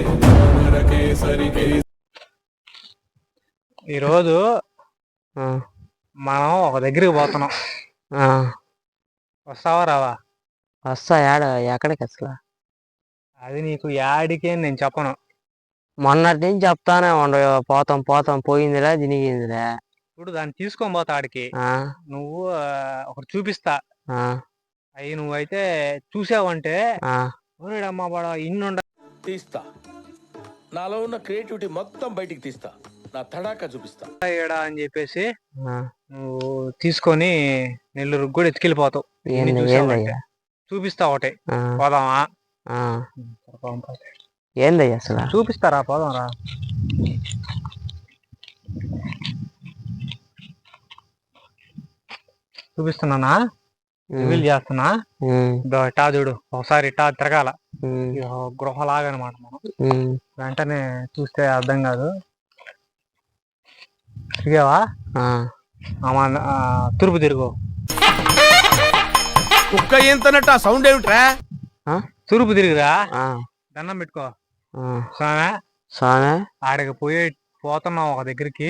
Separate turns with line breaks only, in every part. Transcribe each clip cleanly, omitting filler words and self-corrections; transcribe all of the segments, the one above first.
ఈరోజు మనం ఒక దగ్గరికి పోతున్నాం. వస్తావా రావా?
వస్తా. ఎక్కడికి అసలు?
అది నీకు యాడికి అని నేను చెప్పను.
మొన్నటి నుంచి చెప్తానే ఉండ, పోతాం పోతాం, పోయిందిలే దినిగిందిలే.
ఇప్పుడు దాన్ని తీసుకొని పోతా ఆడికి. నువ్వు ఒకటి చూపిస్తా. అవి నువ్వైతే చూసావంటే అమ్మా బడా ఇన్నుండ
తీస్తా. నాలో ఉన్న క్రియేటివిటీ మొత్తం బయటికి తీస్తా. నా తడాకా చూపిస్తా
ఏడా అని చెప్పేసి నువ్వు తీసుకొని నెల్లూరు కూడా ఎత్తుకెళ్ళిపోతావు. చూపిస్తా ఒకటే. పోదామా?
ఏందయ్యా అసలు?
చూపిస్తారా? పోదాం రా. చూపిస్తున్నానా? రివీల్ చేస్తున్నా. ఇట్టా చూడు, ఒకసారి ఇట్టా తిరగాల. గృహలాగా అనమాట. మనం వెంటనే చూస్తే అర్థం కాదు. తిరిగావా? తూర్పు తిరుగు.
కుక్క ఏంతనట్టు ఆ సౌండ్ ఏమిట్రా?
తూర్పు తిరుగురా. దండం పెట్టుకో.
స్వామి
ఆడికి పోతున్నాం ఒక దగ్గరికి.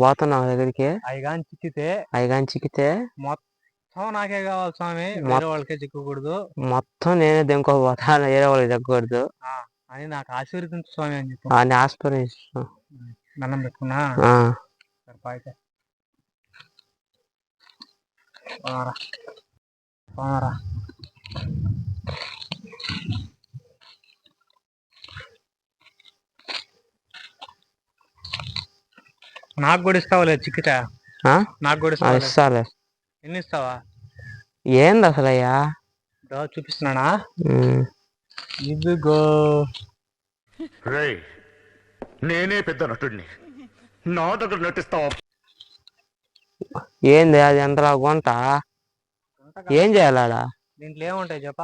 అయ్యగాని చిక్కితే
మొత్తం నాకే కావాలి స్వామి, వేరే వాళ్ళకే చిక్కకూడదు.
మొత్తం నేనే దింకోపోతా, వేరే వాళ్ళకి తగ్గకూడదు
అని నాకు ఆశీర్వదించు స్వామి అని చెప్పి
అని ఆస్పిరేషన్
దండం పెట్టుకున్నా. అయితే నాకు కూడా ఇస్తావులే చిక్కితే. నాకు కూడా
ఇస్తాలే.
ఎన్ని ఇస్తావా?
ఏంది అసలు అయ్యా?
చూపిస్తున్నానా? ఇదిగో.
నేనే పెద్ద నటుడిని, నా దగ్గర నటిస్తావా?
ఏంది అది? ఎంతలా గుంట? ఏం చేయాలా
దీంట్లో ఏముంటాయి చెప్పా?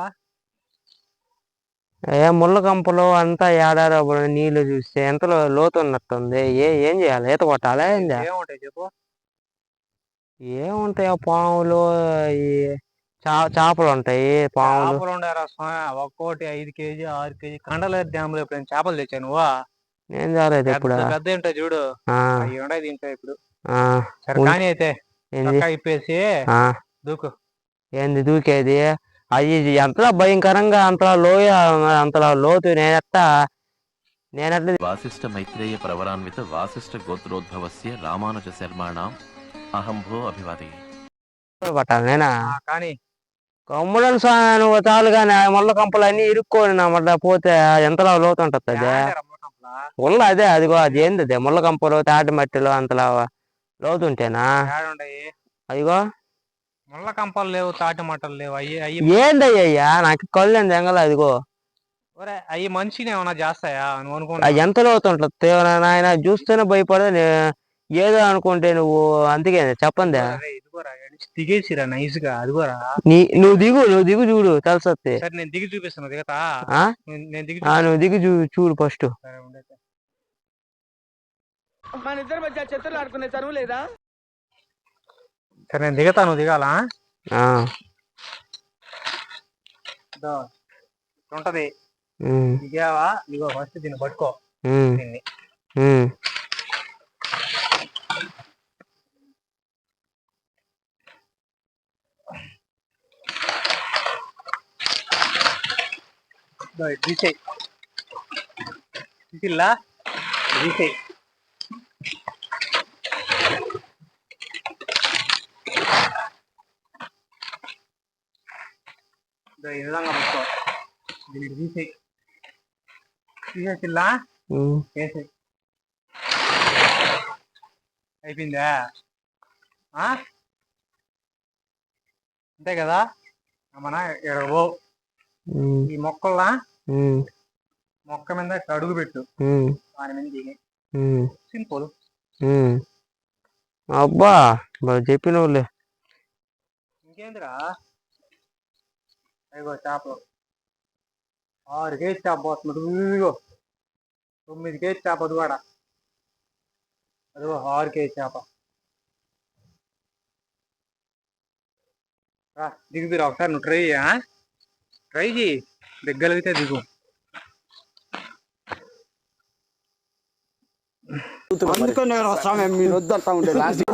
ముళ్ళ కంపలు అంతా ఏడారో నీళ్లు చూస్తే ఎంతలో లోతు ఉన్నట్టుంది. ఏం చేయాలి? ఈత కొట్టాలా?
ఏముంటాయి చెప్పు?
ఏముంటాయో పాములు, ఈ చేపలు ఉంటాయి. పాములు
ఒక్కోటి 5 kg 6 kg. కండలేరు డ్యామ్ లో ఎప్పుడైనా చేపలు తెచ్చా నువ్వా?
నేను చాలేదు ఇప్పుడు.
పెద్ద ఉంటాయి చూడు, అవి ఉన్నాయి దీంట్లో ఇప్పుడు. సరే కానీ అయితే ఇప్పేసి దూకు.
ఏంది దూకేది? అది ఎంతలా భయంకరంగా, అంతలా లోయ, అంతలా లోతు. నేనెట్లా
వాసిష్ఠ మైత్రేయ ప్రవరాన్విత వాసిష్ఠ గోత్రోద్భవస్య రామానుజ శర్మాణం అహంభో అభివాది.
పట్టాలి నేనా?
కానీ
కమ్ముడని నువ్వు చాలుగానే ముళ్ళ కంపలు అన్ని ఇరుక్కోని నా మళ్ళీ పోతే ఎంతలా లోతు ఉంటుంది అదే ముళ్ళ. అదిగో అది ఏంది? అదే ముళ్ళ కంపలు తాటి మట్టిలో అంతలా లోతు ఉంటేనా? అదిగో
ముళ్ళ కంపలు లేవు, తాటి మట్టలు లేవు.
ఏందయ్యా నాకు కళ్ళు ఎంగల. అదిగో
అవి మనిషిని ఏమన్నా చేస్తాయా నువ్వు అనుకున్నా?
ఎంత లోతు ఉంటుంది నాయన, చూస్తేనే భయపడదు ఏదో అనుకుంటే నువ్వు. అందుకే చెప్పండి.
దిగేసిరా నైస్ గా. అదిగోరా,
నువ్వు దిగు చూడు తెలుసొస్తే.
సరే నేను దిగి చూపిస్తాను. దిగతా?
నువ్వు దిగి చూడు ఫస్ట్.
మన ఇద్దరి మధ్య చెత్తలు ఆడుకునే చదువు లేదా?
సరే నేను దిగతా, నువ్వు దిగాలా? ఉంటది. దిగావా? ఇగో ఫస్ట్ దీన్ని పట్టుకో. దీన్ని తీసేయి. తీసిల్లా? తీసేయి. ఈ విధంగా పట్టుకో. దీనికి తీసేయి. తీసేసిల్లా? వేసేయి. అయిపోయిందా? అంతే కదా? మన ఎడగో ఈ మొక్కల్లా మొక్క మీద అడుగు పెట్టు, దాని మీద దిగి. సింపుల్.
అబ్బా చెప్పినవులే.
ఇంకేందిరా? అయ్యో చేపలు 6 kg చేప పోతుంది. 9 kg చేప. అది కూడా అదిగో 6 kg చేప. దిగుతురా ఒకసారి. నువ్వు ట్రై చేయి. దిగ్గలిగితే దిగు.
అందుకని నేను స్వామి మీరు వద్దంటా ఉండే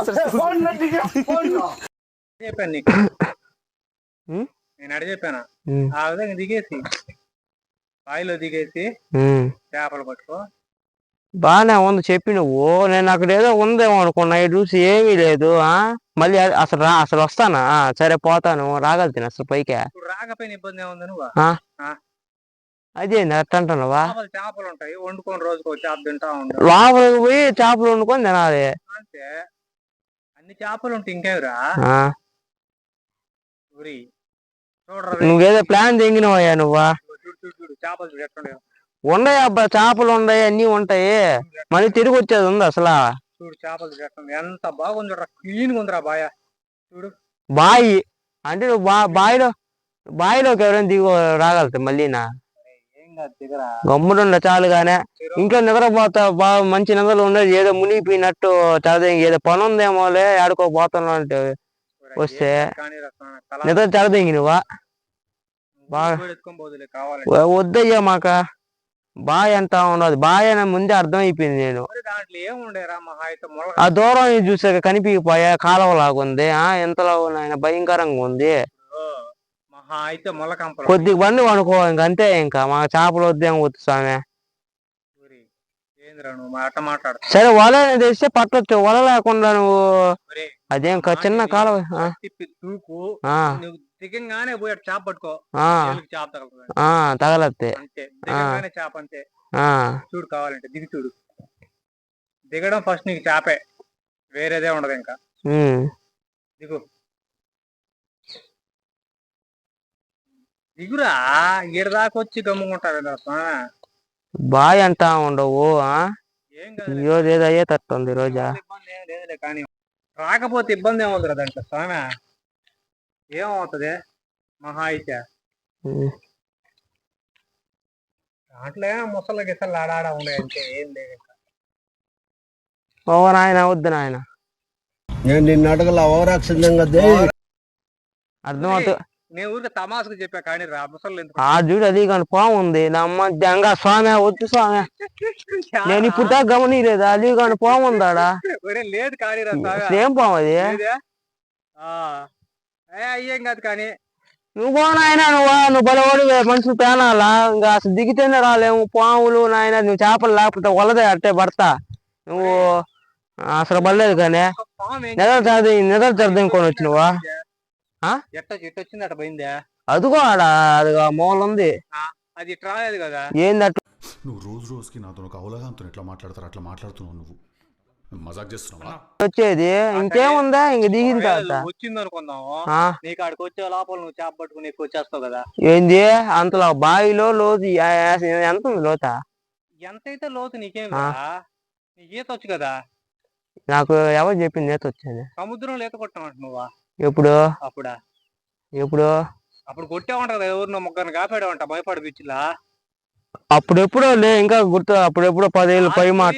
చెప్పాను నీకు నేను అడిగి చెప్పాను ఆ విధంగా దిగేసి బాయిలో దిగేసి చేపలు పట్టుకో.
బానే ఉంది చెప్పి నువ్వు. నేను అక్కడ ఏదో ఉందేమో అనుకున్నా, చూసి ఏమీ లేదు. మళ్ళీ అసలు వస్తానా? సరే పోతాను, రాగలుగుతాను అసలు పైకి.
రాకపోయిన ఇబ్బంది ఏముంది నువ్వు?
అదేంది అట్ట అంటున్నావా?
చేపలు ఉంటాయి వండుకొని రోజుకో చేప తింటా ఉంటా.
లోపలికి పోయి చేపలు వండుకొని తినాలి
అంటే అన్ని చేపలు ఉంటాయి ఇంకేమిరా.
నువ్వేదో ప్లాన్ తెంగినవయ్యా నువ్వా?
చూడు చేపలు చూడు ఎట్లుండే.
ఉండయి అబ్బా, చేపలు ఉన్నాయి, అన్ని ఉంటాయి. మళ్ళీ తిరిగి వచ్చేది ఉంది అసలు.
చూడు చేపలు చూడు ఎంత బాగుంది, క్లీన్ గా ఉందిరా బాయ. చూడు
బాయి అంటే నువ్వు బాయిలోకి ఎవరైనా దిగు రాగలుగుతాయి మళ్ళీ నా గమ్ముడుండ చాలుగానే. ఇంట్లో నిద్రపోతా బాగా మంచి నిద్రలు ఉండేది, ఏదో మునిగిపోయినట్టు చదివి ఏదో పని ఉందేమోలే ఆడుకోపోతున్నా అంటే వస్తే నిద్ర చదదింగి నువ్వా? బాగా వద్దయ్యా మాక బాయ్ అంటా ఉండదు. బాయ్ అని ముందే అర్థమైపోయింది. నేను ఆ దూరం చూసాక కనిపించిపోయా, కాలువలాగుంది. ఎంతలో ఆయన భయంకరంగా ఉంది. కొద్దిగా బండి అనుకో ఇంకంతే. ఇంకా మా చేపలు వద్దేం వద్దు స్వామి. సరే వల తెస్తే పట్టొచ్చు, వల లేకుండా నువ్వు అదేం చిన్న కాలువ
దిగంగానే పోయాడు చేప పట్టుకో,
తగలత్తే
చేప అంతే. చూడు కావాలంటే దిగి చూడు. దిగడం ఫస్ట్ నీకు చేపే, వేరేదే ఉండదు ఇంకా. దిగు దిగురా, ఈడ దాకా వచ్చి గమ్ముకుంటారు.
బాయ్ అంటా ఉండవు. ఈరోజు ఏదో అయ్యే తట్టుంది రోజా.
కానీ రాకపోతే ఇబ్బంది ఏమవుతుంది దాంట్లో స్వామి. ఏమవుతుంది మహా అయితే దాంట్లో ముసలి గిసలు ఆడాడ ఉండే అంటే ఏం లేదు.
ఓ నాయన వద్దు నాయన,
నేను నిన్ను అడగల ఓవరాక్షన్
అర్థమవుతుంది.
నేను ఊరికి తమాసుకు చెప్పా కానీ రా ముసలు
చూడు అది కానీ పాము ఉంది. నా అమ్మ జంగా స్వామి వద్దు స్వామి, నేను ఇప్పుడు దాకా గమనీయలేదు. అది కానీ పాము ఉందాడా?
లేదు కానీ
ఏం పాము అది?
అయ్యేం కాదు కానీ
నువ్వు నాయన నువ్వు బలవాడు మనుషులు పేనాలా? ఇంకా అసలు దిగితేనే రాలేము. పాములు నాయన, నువ్వు చేపలు లేకపోతే వలదే అట్టే పడతా. నువ్వు అసలు పడలేదు కానీ నిద్ర చదివికొని వచ్చినవా?
ఎట్ట వచ్చింది అట్ట పోయిందా?
అదిగో అదిగో మూల ఉంది.
అది ఇట్లా రాలేదు కదా.
ఏంది అట్లా?
నువ్వు రోజు రోజుకి నాతో ఒక అవగాహనతో ఎట్లా మాట్లాడతారు అట్లా మాట్లాడుతున్నావు. నువ్వు మజాక్ చేస్తున్నావా?
వచ్చేది ఇంకేముందా? ఇంక దిగిన తర్వాత
వచ్చింది అనుకుందాము. నీకు ఆడికి వచ్చే లోపల నువ్వు చేప పట్టుకుని ఎక్కువ వచ్చేస్తావు కదా.
ఏంది అంతలో బావిలో లోతు ఎంత ఉంది? లోత
ఎంతైతే లోతు నీకేం నీకు ఈత వచ్చు కదా.
నాకు ఎవరు చెప్పింది ఈత వచ్చేది?
సముద్రంలో ఈత కొట్టామంట నువ్వా?
ఎప్పుడు? ఎప్పుడు?
అప్పుడు కొట్టావంట కదా, ఎవరినో ముగ్గురిని కాపాడావంట భయపడి బీచ్లా.
అప్పుడెప్పుడో లే, ఇంకా గుర్తు. అప్పుడెప్పుడో 10 ఏళ్ళు పై మాట.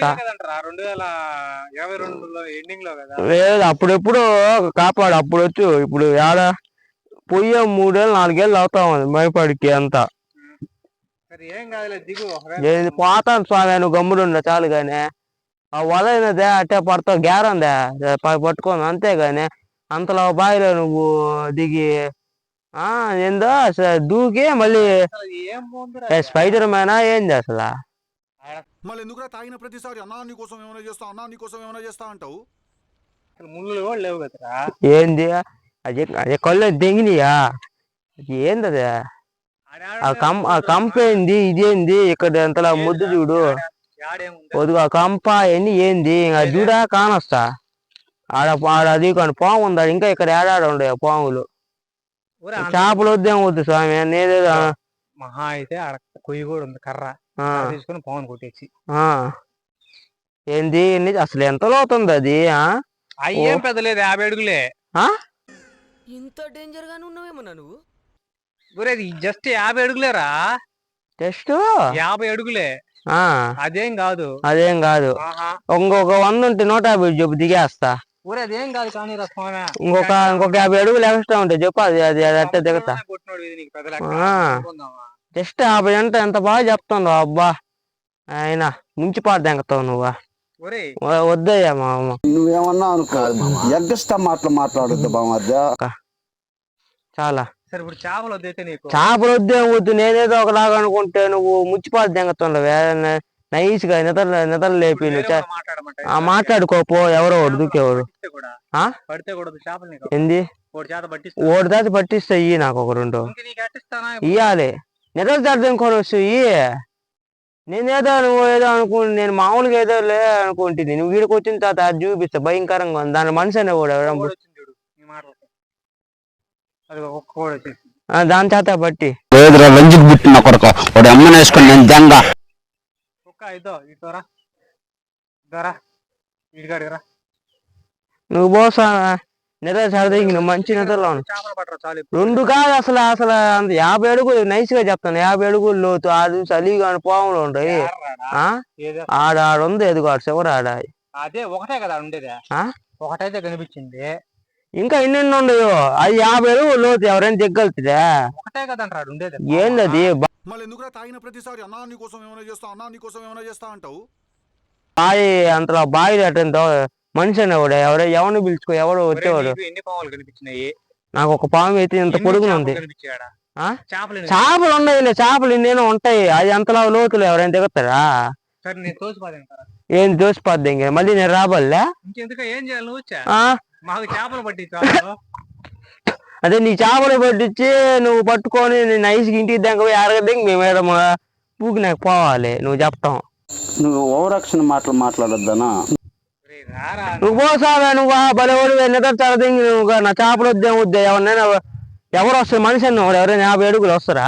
2022లో ఎండింగ్ లో కదా.
లేదు అప్పుడెప్పుడు కాపాడు. అప్పుడు వచ్చు. ఇప్పుడు ఏడ పోయే 3 ఏళ్ళు 4 ఏళ్ళు అవుతా ఉంది మైపాడికి అంతా.
ఏం కాదులే దిగు.
పోతాను స్వామి, నువ్వు గమ్ముడుండ చాలు గాని. ఆ వలైనదే అట్టే పడతావు, గ్యారందే పట్టుకోను అంతేగాని అంతలో బావిలో నువ్వు దిగి ఏందో దూకి మళ్ళీ స్పైడర్ మ్యానా ఏంది అసలు?
మళ్ళీ ఎందుకురా తాగిన ప్రతిసారి అన్నా నీ కోసం ఏమైనా చేస్తా, అన్నా నీ కోసం ఏమైనా చేస్తా అంటావు?
ముళ్ళు కూడా లేవు కదరా.
ఏంది అది కళ్ళు దెంగినాయా? ఏంది అది? ఆ కంప ఏంది? ఇదేంది ఇక్కడ అంతలా ముద్దు చూడు. వద్దు ఆ కంప ఎన్ని ఏంది? చూడా కానొస్తా ఆడ అది కానీ పాము ఉందా ఇంకా? ఇక్కడ ఏడాడ ఉండే పాములు. చేపలు వద్దేం వద్దు స్వామి. నేనేదో
మహా అయితే ఆడ కొయ్యి కూడా ఉంది, కర్ర తీసుకుని పాముని కొట్టేసి.
ఏంది అసలు ఎంత లోతుంది అది?
అయ్యేం పెద్దలేదు, 50 అడుగులే.
ఇంత డేంజర్ గానే ఉన్నావేమన్నా నువ్వు?
జస్ట్ 50 అడుగులేరా.
జస్ట్
50 అడుగులే. అదేం కాదు.
ఇంకొక 100 ఉంటే 150 చెప్పు దిగేస్తా.
అదేం కాదు కానీ
ఇంకొక 50 అడుగులు ఎక్స్ట్రా ఉంటాయి చెప్పు. అది అట్టే దిగుతా. జస్ట్ 50 అంటే ఎంత బాగా చెప్తావు అబ్బా. ఆయన ముంచిపాటు దెంగతావు నువ్వు.
ఒరేయ్
వద్దయ్యా మామ.
నువ్వేమన్నా అనుకో, ఎగ్గస్టా మాటలు మాట్లాడొద్దు బామర్దా.
చాలా
సరే ఇప్పుడు చేపలు వద్దైతే నీకు
చేపలు వద్దే వద్దు. నేనేదో ఒకలాగా అనుకుంటే నువ్వు ముచ్చిపాలు దెంగతుండవే. నైస్ గా నిద్ర లేపి నువ్వు మాట్లాడుకోపో. ఎవరో ఒకడు దూకేవాడు
పడితే కూడా చేపలు నీకు
ఏంది ఓడి దాటి పట్టిస్తా. ఇయ్యి నాకు ఒక 2 ఇయ్యాలి. నిద్ర దాటుకొని వస్తు నేనేదో నువ్వు ఏదో నేను మామూలుగా ఏదో లే అనుకుంటుంది. నువ్వు వీడికి వచ్చిన తర్వాత అది చూపిస్తా భయంకరంగా ఉంది. దాని మనిషి అనేవాడు దాని చేత బట్టి
లేదురా లంజికి పుట్టిన కొడుకు వాడు అమ్మని వేసుకొని నేను దెంగ.
నువ్వు పోసా నిద్ర సరదా నువ్వు మంచి నిద్రలో 2 కాదు అసలు అంత 50 అడుగులు నైస్ గా చెప్తాను. 50 అడుగులు లోతు. ఆడు చలిగా పాములు ఉంటాయి. ఆడుంది ఎదుగు ఆడు చివరి ఆడ.
అదే ఒకటే కదా ఉండేది. ఒకటైతే కనిపించింది.
ఇంకా ఎన్నెన్ని ఉండయో. అది 50 అడుగులు లోతు. ఎవరైనా దిగ్గలుతుందా?
ఒకటే కదా ఉండేది.
ఏంది
మళ్ళీ ఎందుకు తాగిన ప్రతిసారి అన్నా నీకోసం ఏమైనా చేస్తా, అన్నా నీకోసం ఏమైనా చేస్తా అంటావు?
బాయి అంతలో బావి అటెంతో మనిషి అనేవాడు. ఎవరిని పిలుచుకో ఎవడు వచ్చేవాడు.
ఎన్ని పాములు కనిపించినాయి?
నాకు ఒక పాము అయితే ఇంత పొడుగున ఉంది.
చేపలు
ఉన్నాయిలే. చేపలు ఇన్నేనో ఉంటాయి. అది అంతలా లోతులు ఎవరైనా దిగుతారా? ఏం తోసిపోద్ది ఇంక మళ్ళీ నేను రాబోలే.
ఏం చేయాలి నువ్వు? మాకు చేపలు పట్టి
అదే నీ చేపలు పట్టించి నువ్వు పట్టుకొని నేను ఐసుకి ఇంటికి దగ్గర పోయి అరగదింక మేము పూకి నాకు పోవాలి. నువ్వు చెప్తాం.
నువ్వు ఓవరాక్షన్ మాటలు మాట్లాడొద్దనా?
నువ్వు పోసావా? నువ్వు బలవాడు నిద్ర తరదింగి నువ్వు నా చేపలు వద్దే ఎవరినైనా ఎవరు వస్తారు? మనిషి అన్నవాడు ఎవరైనా 50 అడుగులు వస్తారా?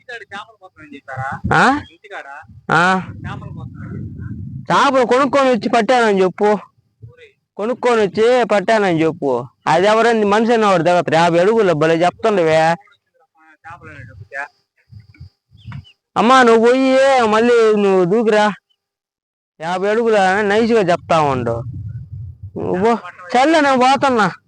చేపలు కొనుక్కొని వచ్చి పట్టానని చెప్పు. కొనుక్కొని వచ్చి పట్టానని చెప్పు. అది ఎవరైనా మనిషి అన్నవాడు దిగతారు 50 అడుగులు. భలే చెప్తుండవే అమ్మా. నువ్వు పోయి మళ్ళీ నువ్వు దూకిరా. 50 అడుగులు నైస్గా చెప్తా ఉండు. నువ్వు చల్ల నేను పోతున్నా.